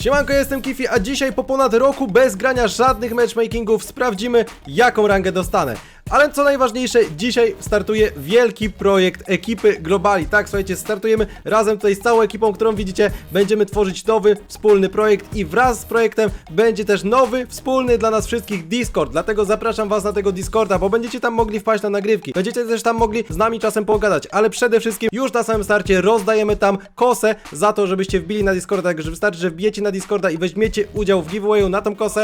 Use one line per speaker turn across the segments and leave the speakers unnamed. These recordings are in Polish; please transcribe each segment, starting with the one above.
Siemanko, jestem Kifi, a dzisiaj po ponad roku bez grania żadnych matchmakingów sprawdzimy, jaką rangę dostanę. Ale co najważniejsze, dzisiaj startuje wielki projekt ekipy Globali. Tak, słuchajcie, startujemy razem tutaj z całą ekipą, którą widzicie. Będziemy tworzyć nowy, wspólny projekt i wraz z projektem będzie też nowy, wspólny dla nas wszystkich Discord. Dlatego zapraszam was na tego Discorda, bo będziecie tam mogli wpaść na nagrywki. Będziecie też tam mogli z nami czasem pogadać, ale przede wszystkim już na samym starcie rozdajemy tam kosę za to, żebyście wbili na Discorda. Także wystarczy, że wbijecie na Discorda i weźmiecie udział w giveawayu na tą kosę.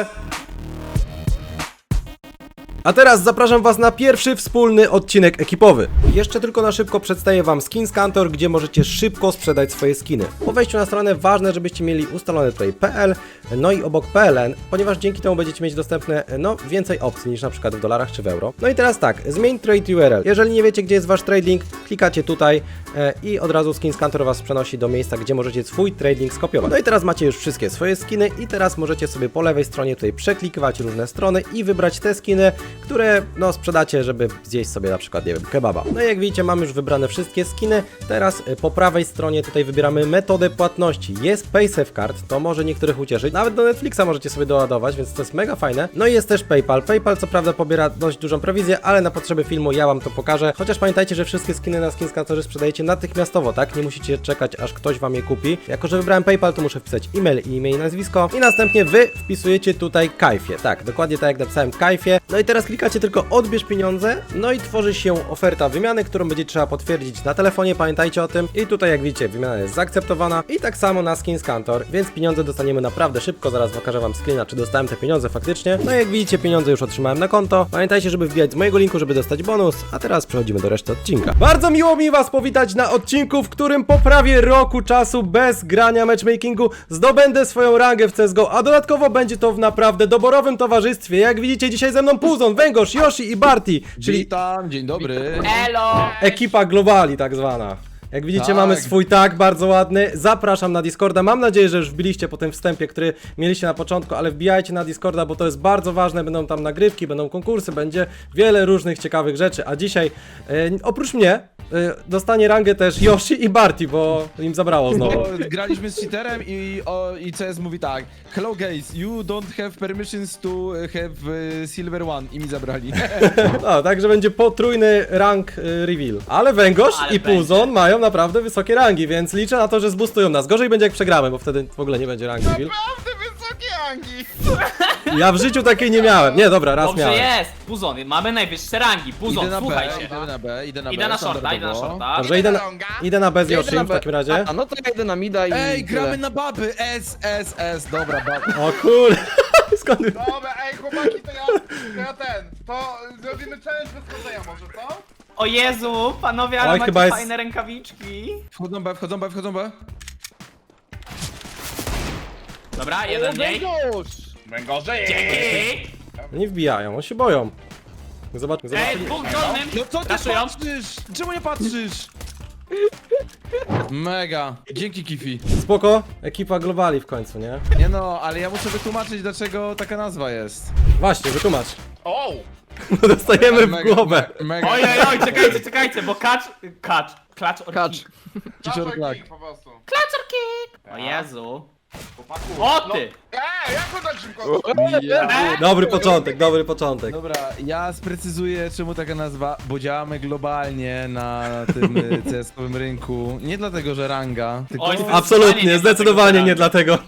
A teraz zapraszam was na pierwszy wspólny odcinek ekipowy. Jeszcze tylko na szybko przedstawię wam SkinsCantor, gdzie możecie szybko sprzedać swoje skiny. Po wejściu na stronę ważne, żebyście mieli ustalone tutaj PL, no i obok PLN, ponieważ dzięki temu będziecie mieć dostępne, więcej opcji niż na przykład w dolarach czy w euro. No i teraz tak, zmień trade URL. Jeżeli nie wiecie, gdzie jest wasz trading, klikacie tutaj i od razu SkinsCantor was przenosi do miejsca, gdzie możecie swój trading skopiować. No i teraz macie już wszystkie swoje skiny i teraz możecie sobie po lewej stronie tutaj przeklikiwać różne strony i wybrać te skiny, które sprzedacie, żeby zjeść sobie na przykład, nie wiem, kebaba. No i jak widzicie, mamy już wybrane wszystkie skiny. Teraz po prawej stronie tutaj wybieramy metodę płatności. Jest PaySafeCard, to może niektórych ucieszyć. Nawet do Netflixa możecie sobie doładować, więc to jest mega fajne. No i jest też PayPal. PayPal co prawda pobiera dość dużą prowizję, ale na potrzeby filmu ja wam to pokażę. Chociaż pamiętajcie, że wszystkie skiny na SkinsCantorze sprzedajecie natychmiastowo, tak? Nie musicie czekać, aż ktoś wam je kupi. Jako że wybrałem PayPal, to muszę wpisać e-mail i nazwisko. I następnie wy wpisujecie tutaj Kajfie. Tak, dokładnie tak jak napisałem, Kajfie. No i teraz klikacie tylko odbierz pieniądze, no i tworzy się oferta wymiany, którą będzie trzeba potwierdzić na telefonie, pamiętajcie o tym. I tutaj jak widzicie, wymiana jest zaakceptowana i tak samo na SkinsCantor, więc pieniądze dostaniemy naprawdę szybko, zaraz pokażę wam screena, czy dostałem te pieniądze faktycznie. No i jak widzicie, pieniądze już otrzymałem na konto. Pamiętajcie, żeby wbijać z mojego linku, żeby dostać bonus, a teraz przechodzimy do reszty odcinka. Bardzo miło mi was powitać na odcinku, w którym po prawie roku czasu bez grania matchmakingu zdobędę swoją rangę w CSGO, a dodatkowo będzie to w naprawdę doborowym towarzystwie. Jak widzicie, dzisiaj ze mną Puzon, Węgorz, Yoshi i Barty, czyli
Witam, dzień dobry.
Elo!
ekipa Globali tak zwana. Jak widzicie,
Tak.
mamy swój tag bardzo ładny. Zapraszam na Discorda. Mam nadzieję, że już wbiliście po tym wstępie, który mieliście na początku, ale wbijajcie na Discorda, bo to jest bardzo ważne. Będą tam nagrywki, będą konkursy, będzie wiele różnych ciekawych rzeczy. A dzisiaj, oprócz mnie, dostanie rangę też Yoshi i Barty, bo im zabrało znowu.
Bo graliśmy z cheaterem i CS mówi tak: hello guys, you don't have permissions to have silver one i mi zabrali.
No, także będzie potrójny rank reveal. Ale Węgorz
Ale
i
będzie.
Puzon mają naprawdę wysokie rangi, więc liczę na to, że zbustują nas. Gorzej będzie jak przegramy, bo wtedy w ogóle nie będzie rank reveal.
Naprawdę wysokie rangi!
Ja w życiu takiej nie miałem. Nie, dobra, raz
Dobrze
miałem.
jest! Puzon, mamy najwyższe rangi. Puzon,
Idę na
słuchaj
B,
się.
idę na B, idę na B.
Idę na shorta, idę na
standardowo.
shorta.
Dobrze, idę na bez Yoshi w takim razie.
A no to ja idę na mida i...
Ej, gramy
tyle.
na baby, S, dobra, baby.
O kur... Skąd...
Dobra, ej chłopaki, to zrobimy challenge bez chodzenia może, co?
O Jezu, panowie, ale
Oj,
macie
chyba jest-
fajne rękawiczki.
Wchodzą B, wchodzą B, wchodzą B.
Dobra, jeden mniej.
Węgorze!
Dzięki!
Nie wbijają, oni się boją. Zobaczmy,
Ej,
zobaczymy.
dwóch dolnym!
No co ty
Raszują.
patrzysz? Czemu nie patrzysz? Mega, dzięki Kifi.
Spoko, ekipa Globali w końcu, nie?
Nie no, ale ja muszę wytłumaczyć, dlaczego taka nazwa jest.
Właśnie, wytłumacz.
O!
Dostajemy w głowę.
Mega.
Oj, czekajcie, bo klacz or
Kacz.
kick.
Kicior tak.
Po prostu.
Klacz or kick! O Jezu.
Chłopaku.
O ty!
Jak to tak szybko?
Dobry początek, dobry początek.
Dobra, ja sprecyzuję czemu taka nazwa, bo działamy globalnie na tym CS-owym rynku. Nie dlatego, że ranga, tylko...
Oj,
Absolutnie, zdecydowanie nie dlatego.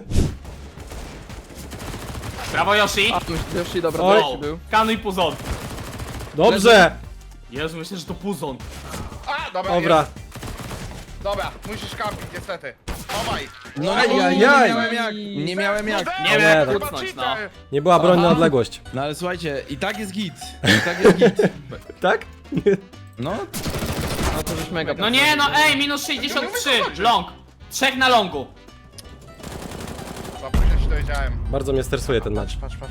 Brawo Yoshi!
Yoshi, dobra,
Oj.
Yoshi był.
Kanuj Puzon.
Dobrze.
Jezu, myślę, że to Puzon.
A, dobra,
Dobra.
jest. Dobra, musisz kampić, niestety. Dawaj.
No
Ajajaj.
nie miałem jak, nie miałem jak.
Nie wiem,
nie,
jak
no.
kucnąć, no.
Nie była broń na odległość.
No ale słuchajcie, i tak jest git, i tak jest git.
Tak?
No,
No to już mega.
No nie, no ej, minus 63, long. 3 na longu.
Za późno ci dowiedziałem.
Bardzo mnie stresuje ten mecz.
Patrz.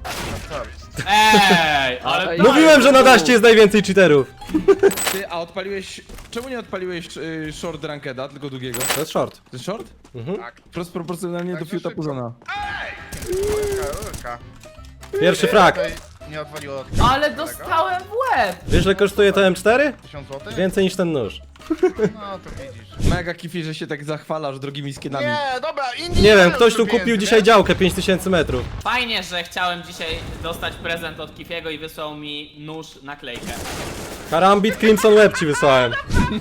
Ej, ale
Ej,
Mówiłem, że na daście jest najwięcej cheaterów.
ty, a odpaliłeś, czemu nie odpaliłeś short rankeda, tylko długiego?
To jest short.
To jest short?
Tak.
Wprost proporcjonalnie do
Także
fiuta
szybko.
Puzona.
Rurka.
Pierwszy frag.
nie odwaliło od
Ale dostałem w łeb!
Wiesz, ile kosztuje to M4?
1000 zł?
Więcej niż ten nóż.
No to widzisz.
Mega kifi, że się tak zachwalasz drogimi skinami.
Nie, dobra, inni
Nie wiem,
mają
ktoś tu
pieniędzy,
kupił
nie?
dzisiaj działkę 5000 metrów.
Fajnie, że chciałem dzisiaj dostać prezent od Kifiego i wysłał mi nóż naklejkę.
Karambit Crimson Web ci wysłałem.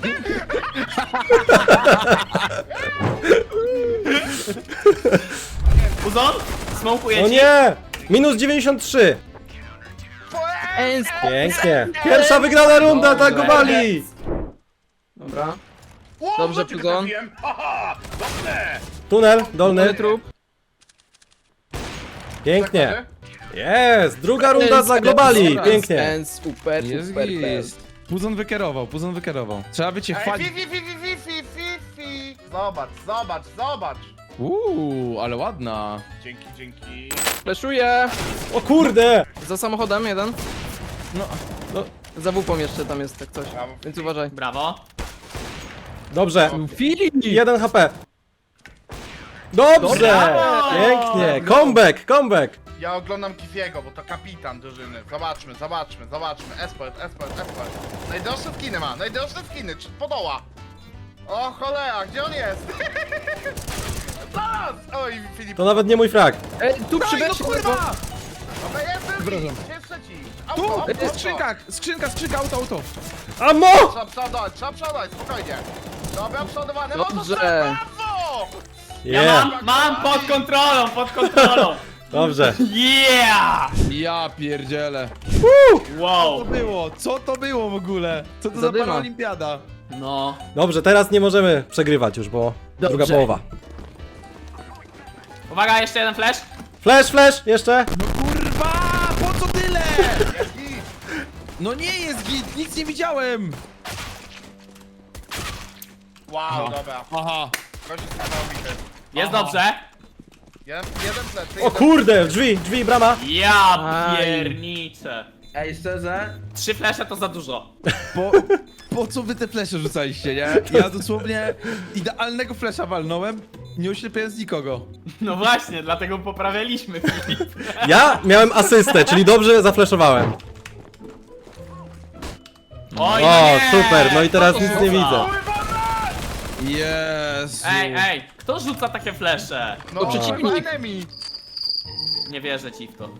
Uzon? Smokuję
O
ci.
nie! Minus 93. Pięknie. Pierwsza wygrana runda, tak go wali.
Dobra.
Ło,
Dobrze,
do ciebie
Puzon.
trafiłem. Haha, dobrze!
Tunel, dolny.
Ale trup.
Pięknie. Jest! Druga runda dla globali. Pięknie.
Ten super,
Jest
super.
gist. Puzon wykierował. Trzeba by cię
Ej,
chwalić.
fi. Zobacz, zobacz, zobacz.
Ale ładna.
Dzięki.
Fleszuję.
O kurde!
Za samochodem jeden.
No,
Za wupą jeszcze tam jest tak coś.
Brawo.
Więc uważaj.
Brawo.
Dobrze.
Filip!
1 HP. Dobrze!
Brawo!
Pięknie. Comeback.
Ja oglądam Kifiego, bo to kapitan drużyny. Zobaczmy. Esport. Najdroższe skiny ma, czy podoła. O cholera, gdzie on jest? Zaraz! Oj, Filip.
To nawet nie mój frag.
Ej, tu
Daj, no
przybyć
kurwa!
Dobra, jest drugi. Gdzie jest trzeci? Auto,
Tu! Skrzynka, auto.
Ammo!
Trzeba przodować, spokojnie. Dobra, przodowane,
Dobrze.
motocykl, brawo!
Yeah.
Mam pod kontrolą.
Dobrze.
Yeah!
Ja pierdzielę.
Wow.
Co to było w ogóle? Co to za
Zadyma.
paraolimpiada?
No.
Dobrze, teraz nie możemy przegrywać już, bo druga połowa.
Uwaga, jeszcze jeden flash.
Flash, jeszcze.
No kurwa! Po co tyle? No nie jest git, nic nie widziałem!
Wow, dobra.
Aha.
Gość jest niesamowity.
Jest dobrze.
Jeden plecy.
O kurde, drzwi, brama.
Ja
Aj.
pierniczę.
Ej, szczerze?
3 flesze to za dużo.
Po co wy te flesze rzucaliście, nie? Ja dosłownie idealnego flesza walnąłem, nie oślepiając nikogo.
No właśnie, dlatego poprawialiśmy Filip.
Ja miałem asystę, czyli dobrze zafleszowałem.
Oj,
O,
no nie!
super, no i teraz
Co to
nic
rzuca?
nie widzę.
Jezu.
Ej, kto rzuca takie flesze?
No,
przeciwnik.
enemy.
Nie wierzę ci w to.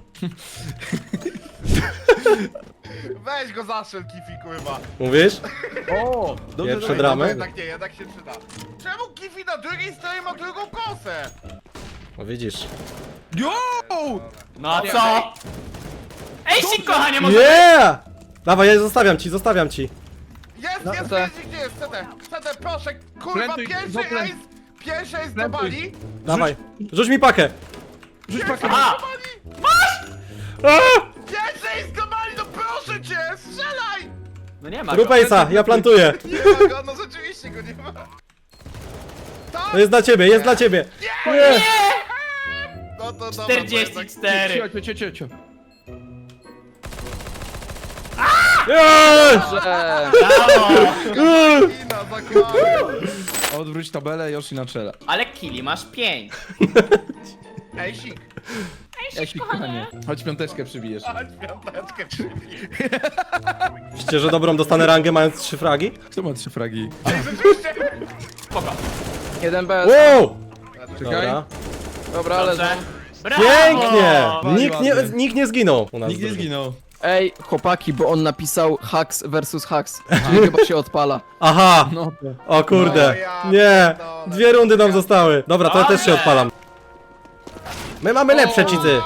Weź go zaszel, Kifi, kurwa.
Mówisz?
O! Dobrze,
Pierwsze
dobrze.
dramy.
Jednak nie, jednak się przyda. Czemu Kifi na drugiej stronie ma drugą kosę?
No widzisz.
Yo!
No a co? Ej, sik, kochanie, może...
Yeah! Dawaj, ja zostawiam ci.
Jest,
No,
jest,
to-
gdzie jest? CD, proszę, kurwa,
Plantuj,
pierwszy
no, plan-
ace! Pierwszy ace do
Plantuj.
Bali!
Dawaj. Rzuć mi pakę.
Rzuć pakę.
A!
A!
Pierwszy ace do Bali, no proszę cię, strzelaj!
No nie ma go.
Rupejsa, ja plantuję.
Nie ma go, no rzeczywiście go nie ma. Tak!
To jest dla ciebie, jest dla ciebie. Nie!
No to dobra,
44.
Cio.
Nie!
Że...
Brawo!
Kina, zakładam.
Odwróć tabelę, Yoshi na czele.
Ale kili masz 5.
Ej, sik.
Ej, kochanie. Chodź piąteczkę przybijesz.
Chodź, piąteczkę przybij.
Myślicie, że dobrą dostanę rangę mając 3 fragi?
Kto ma 3 fragi?
Rzeczywiście.
Spoko.
Jeden bez.
Wow!
Czekaj.
Dobra.
Dobra, ale...
Dobrze. Brawo!
Pięknie!
Ładnie.
Nikt nie zginął u nas.
Nikt nie zginął.
Ej, chłopaki, bo on napisał hacks versus hacks. Czyli chyba się odpala.
Aha!
No to.
O kurde!
No ja
Nie!
pierdolę.
2 rundy nam zostały. Dobra, to ja też się
Dobrze.
odpalam. My mamy lepsze cheaty.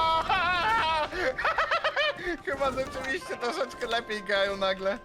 Chyba rzeczywiście troszeczkę lepiej grają nagle.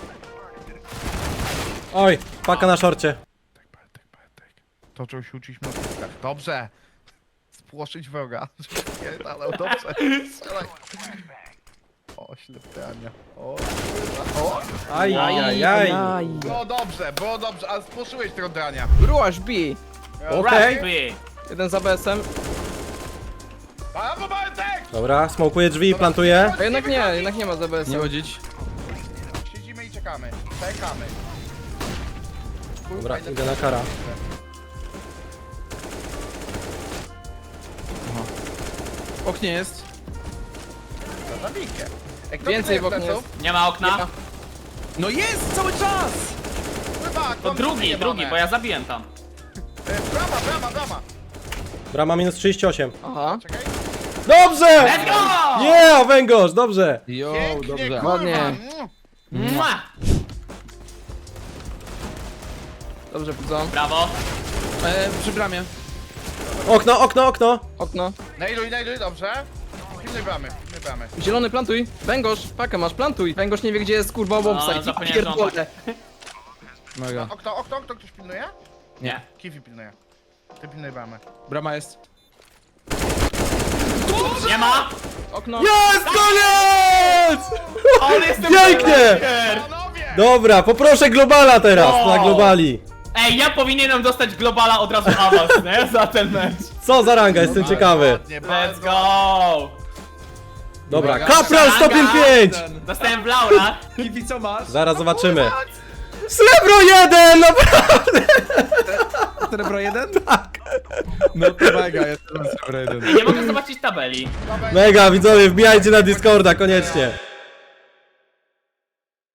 Oj, paka na szorcie.
Toczą się uczyć na piskach. Dobrze. Spłoszyć wroga. Ale dobrze. Strzelaj. O, ślepiania. O, kurwa. O.
Ajajaj.
Było dobrze, ale spłoszyłeś tego drania.
Rush B.
Okej.
Rugby.
Jeden za BS-em.
Brawo, Bartek!
Dobra, smokuję drzwi i plantuję.
A jednak nie ma za
Nie
BS-em.
chodzić.
Siedzimy i czekamy. Czekamy. Kurwa,
Dobra,
ile-
idę na kara.
W oknie jest.
drabinkę. Ej, kto
Więcej
pilnuje
w oknie
pleców?
jest.
Nie ma okna?
Nie ma.
No jest cały czas!
Chyba,
To drugi, bo ja zabiłem tam.
Brama.
Brama minus 38.
Aha.
Czekaj.
Dobrze!
Let's go!
Yeah, węgorz, dobrze.
Jo,
Pięknie,
dobrze.
kurwa.
Ładnie.
Mm.
Mua!
Dobrze, Puzo.
Brawo.
Przy bramie.
Okno.
Okno.
Najluj, dobrze. Pilnuj bramy.
Zielony, plantuj. Węgorz, pakę masz, plantuj. Węgorz nie wie, gdzie jest kurwa bombsite. Ja
zapomniałem, że on
pierdolę.
Mega.
Okno, ktoś pilnuje?
Nie.
Kiwi pilnuje. Ty pilnuj bramy.
Brama jest.
Nie ma!
Okno.
Jest, koniec!
On jest
Pięknie!
Panowie!
Dobra, poproszę globala teraz,
O!
na globali.
Ej, ja powinienem dostać globala od razu awans, nie? Za ten mecz.
Co za ranga, jestem ciekawy.
Ładnie,
Let's
bardzo.
go!
Dobra,
Uwaga.
kapral stopień 5!
Dostałem w laura.
Kiwi, co masz?
Zaraz zobaczymy. Srebro 1! Naprawdę!
Srebro 1? Tak. No to mega, jest srebro 1.
Nie mogę zobaczyć tabeli.
Mega, widzowie, wbijajcie na Discorda, koniecznie.